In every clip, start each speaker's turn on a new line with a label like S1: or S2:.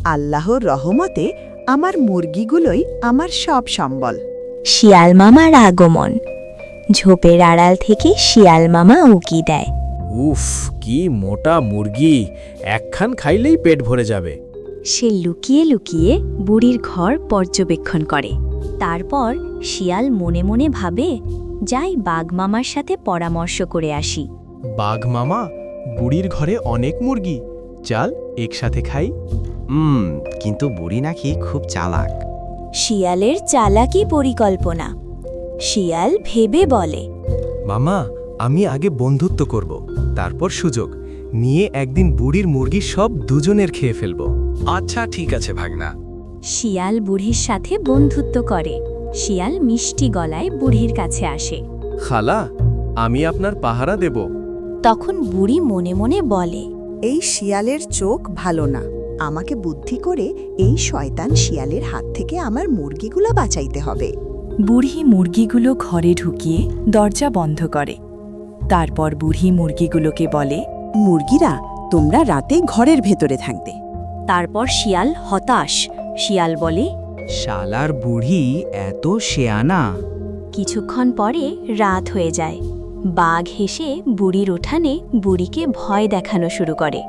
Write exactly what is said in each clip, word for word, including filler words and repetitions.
S1: আল্লাহর রহমতে আমার মুরগিগুলোই আমার সব সম্বল।
S2: শিয়াল মামার আগমন। ঝোপের আড়াল থেকে শিয়াল মামা উকি দেয়।
S3: উফ, কি মোটা মুরগি! একখান খাইলেই পেট ভরে যাবে।
S2: সে লুকিয়ে লুকিয়ে বুড়ির ঘর পর্যবেক্ষণ করে। তারপর শিয়াল মনে মনে ভাবে, যাই বাঘ মামার সাথে পরামর্শ করে আসি।
S4: বাঘ মামা, বুড়ির ঘরে অনেক মুরগি, চাল একসাথে খাই।
S5: হুম কিন্তু বুড়ি নাকি খুব চালাক।
S2: শিয়ালের চালাকি পরিকল্পনা। শিয়াল ভেবে বলে,
S4: মামা, আমি আগে বন্ধুত্ব করব, তারপর সুযোগ নিয়ে একদিন বুড়ির মুরগি সব দুজনের খেয়ে ফেলব।
S5: আচ্ছা ঠিক আছে ভাগনা।
S2: শিয়াল বুড়ির সাথে বন্ধুত্ব করে। শিয়াল মিষ্টি গলায় বুড়ির কাছে আসে।
S4: খালা, আমি আপনার পাহারা দেব।
S2: তখন বুড়ি মনে মনে বলে,
S1: এই শিয়ালের চোখ ভালো না। আমাকে বুদ্ধি করে এই শয়তান শিয়ালের হাত থেকে আমার মুরগিগুলো বাঁচাইতে হবে।
S6: বুড়ি মুরগিগুলো ঘরে ঢুকিয়ে দরজা বন্ধ করে। তারপর বুড়ি মুরগিগুলোকে বলে,
S1: মুরগিরা, তোমরা রাতে ঘরের ভেতরে থাকবে।
S2: তারপর শিয়াল হতাশ। শিয়াল বলে,
S5: শালার বুড়ি এত শেয়ানা।
S2: কিছুক্ষণ পরে রাত হয়ে যায়। বাঘ হেসে বুড়ির উঠানে বুড়িকে ভয় দেখানো শুরু করে।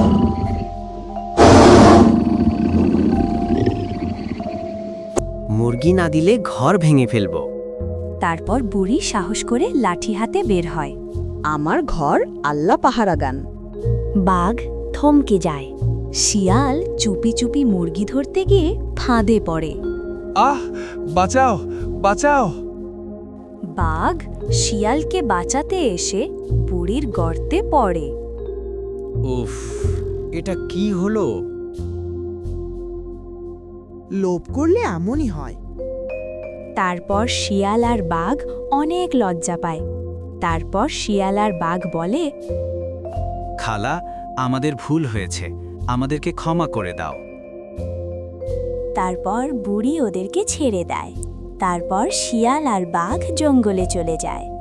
S5: মুরগি না দিলে ঘর ভেঙে ফেলব।
S2: তারপর বুড়ি সাহস করে লাঠি হাতে বের হয়।
S1: আমার ঘর আল্লাহ পাহারাগান।
S2: বাঘ থমকে যায়। শিয়াল চুপি চুপি মুরগি ধরতে গিয়ে ফাঁদে পড়ে।
S4: আহ, বাঁচাও, বাঁচাও!
S2: বাঘ শিয়ালকে বাঁচাতে এসে বুড়ির গর্তে পড়ে।
S5: উফ, এটা কি হলো?
S1: লোভ করলে এমনই হয়।
S2: তারপর শিয়াল আর বাঘ অনেক লজ্জা পায়। তারপর শিয়াল আর বাঘ বলে,
S5: খালা, আমাদের ভুল হয়েছে, আমাদেরকে ক্ষমা করে দাও।
S2: তারপর বুড়ি ওদেরকে ছেড়ে দেয়। তারপর শিয়াল আর বাঘ জঙ্গলে চলে যায়।